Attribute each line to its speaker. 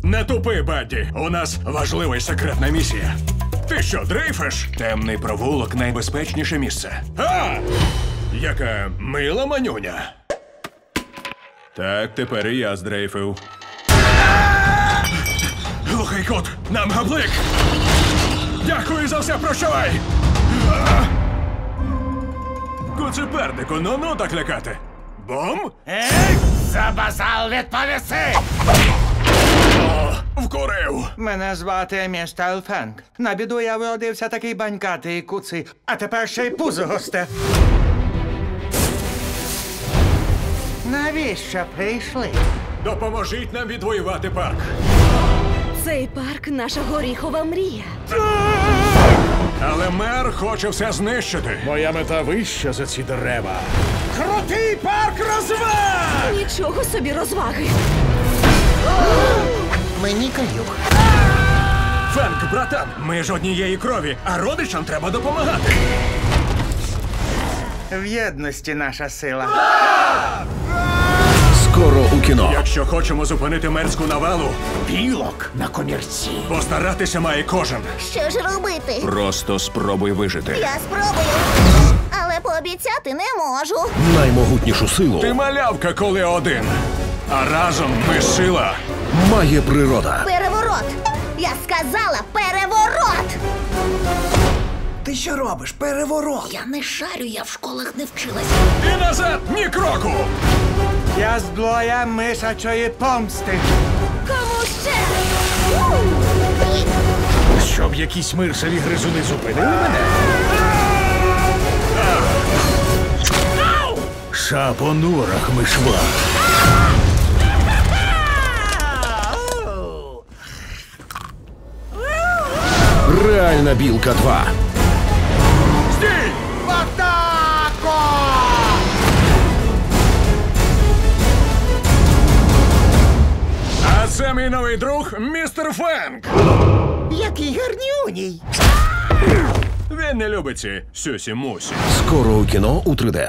Speaker 1: Не тупи, Бадді. У нас важлива і секретна місія. Ти що, дрейфиш? Темний провулок — найбезпечніше місце. А! Яка мила манюня. Так, тепер і я здрейфив. Глухий кут, нам габлик! Дякую за все, прощавай! Куцепернику, ну так лякати. Бом?
Speaker 2: За базал відповіси!
Speaker 1: О, вкурив!
Speaker 2: Мене звати містер Фенк. На біду я вродився такий банькатий куций, а тепер ще й пузо госте. Навіщо прийшли?
Speaker 1: Допоможіть нам відвоювати парк.
Speaker 3: Цей парк — наша горіхова мрія.
Speaker 1: Але мер хоче все знищити.
Speaker 4: Моя мета вища за ці дерева. Крутий парк розваг!
Speaker 3: Нічого собі розваги.
Speaker 2: Мені каюк.
Speaker 1: Фенк, братан, ми ж однієї крові, а родичам треба допомагати.
Speaker 2: В єдності наша сила.
Speaker 4: Скоро у кіно.
Speaker 1: Якщо хочемо зупинити мерську навалу,
Speaker 4: Білок на комірці.
Speaker 1: постаратися має кожен.
Speaker 5: Що ж робити?
Speaker 1: Просто спробуй вижити.
Speaker 5: Я спробую. Але пообіцяти не можу.
Speaker 4: Наймогутнішу силу
Speaker 1: Ти малявка, коли один. А разом ми сила.
Speaker 4: має природа.
Speaker 5: Переворот! Я сказала переворот!
Speaker 2: Ти що робиш? Переворот!
Speaker 5: Я не шарю, я в школах не вчилася.
Speaker 1: І назад ні кроку.
Speaker 2: Я зброя мишачої помсти.
Speaker 5: Кому ще?
Speaker 4: Щоб якісь миршеві гризуни зупинили мене. Ша по норах мишва. Реальна білка 2.
Speaker 1: Стій!
Speaker 2: Атако!
Speaker 1: А це мій новий друг, містер Фенк.
Speaker 2: Який гарнюній!
Speaker 1: Він не любить ці сюсі-мусі.
Speaker 4: Скоро у кіно у 3D.